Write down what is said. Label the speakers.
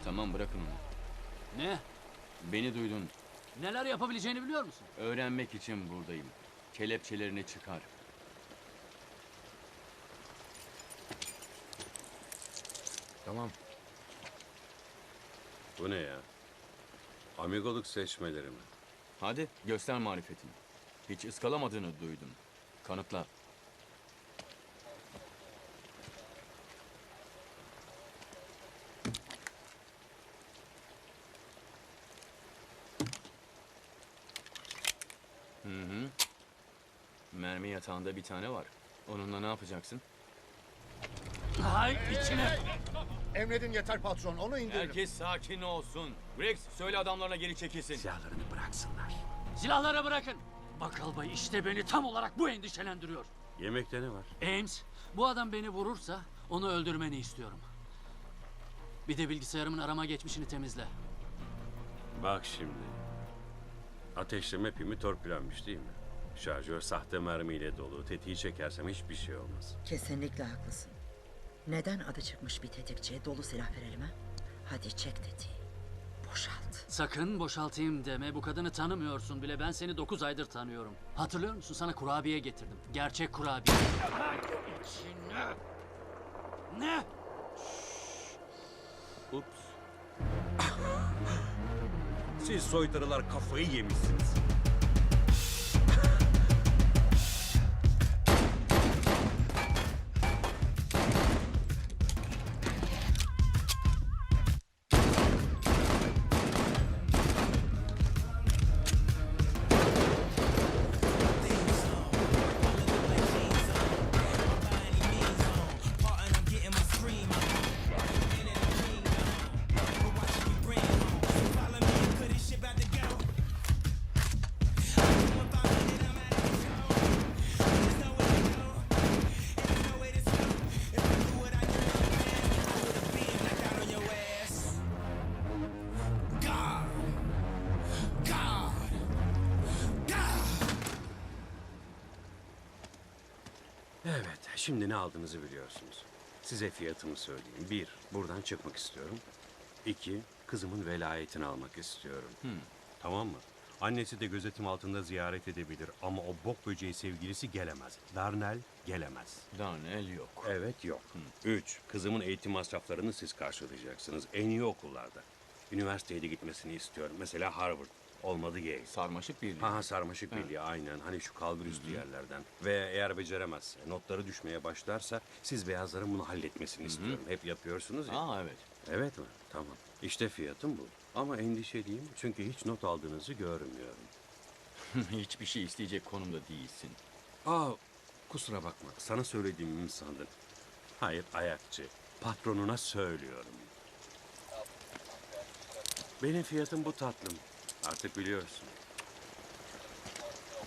Speaker 1: Tamam, bırakın onu.
Speaker 2: Ne?
Speaker 1: Beni duydun.
Speaker 2: Neler yapabileceğini biliyor musun?
Speaker 1: Öğrenmek için buradayım. Kelepçelerini çıkar.
Speaker 3: Tamam.
Speaker 4: Bu ne ya? Amigoluk seçmeleri mi?
Speaker 1: Hadi göster marifetini. Hiç ıskalamadığını duydum. Kanıtla. Mermi yatağında bir tane var. Onunla ne yapacaksın?
Speaker 2: Hay içine!
Speaker 5: Emredin yeter patron, onu indirin.
Speaker 1: Herkes sakin olsun. Rex, söyle adamlarına geri çekilsin.
Speaker 3: Silahlarını bıraksınlar.
Speaker 2: Silahları bırakın! Bakkal Bay işte beni tam olarak bu endişelendiriyor.
Speaker 4: Yemekte ne var?
Speaker 2: Ames, bu adam beni vurursa onu öldürmeni istiyorum. Bir de bilgisayarımın arama geçmişini temizle.
Speaker 4: Bak şimdi. Ateşleme pimi torpilenmiş değil mi? Şarjör sahte mermiyle dolu. Tetiği çekersem hiçbir şey olmaz.
Speaker 6: Kesinlikle haklısın. Neden adı çıkmış bir tetikçiye dolu silah verelim ha? Hadi çek tetiği. Boşalt.
Speaker 2: Sakın boşaltayım deme. Bu kadını tanımıyorsun bile. Ben seni 9 aydır tanıyorum. Hatırlıyor musun? Sana kurabiye getirdim. Gerçek kurabiye. İçine. Ne?
Speaker 1: Ups.
Speaker 4: Siz soytarılar kafayı yemişsiniz. Evet, şimdi ne aldığınızı biliyorsunuz. Size fiyatımı söyleyeyim. 1, buradan çıkmak istiyorum. 2, kızımın velayetini almak istiyorum. Tamam mı? Annesi de gözetim altında ziyaret edebilir ama o bok böceği sevgilisi gelemez. Darnell gelemez.
Speaker 1: Darnell yok.
Speaker 4: Evet, yok. 3, kızımın eğitim masraflarını siz karşılayacaksınız. En iyi okullarda. Üniversiteye de gitmesini istiyorum. Mesela Harvard. Olmadı Yale.
Speaker 1: Sarmaşık birliği.
Speaker 4: Ha sarmaşık birliği aynen. Hani şu kalbur üstü yerlerden. Ve eğer beceremezse, notları düşmeye başlarsa siz beyazların bunu halletmesini istiyorum. Hep yapıyorsunuz ya.
Speaker 1: Aa, evet.
Speaker 4: Evet mi? Tamam. İşte fiyatım bu. Ama endişeliyim çünkü hiç not aldığınızı görmüyorum.
Speaker 1: Hiçbir şey isteyecek konumda değilsin.
Speaker 4: Aa, kusura bakma. Sana söylediğimi mi sandın? Hayır, ayakçı. Patronuna söylüyorum. Benim fiyatım bu tatlım. Artık biliyorsun.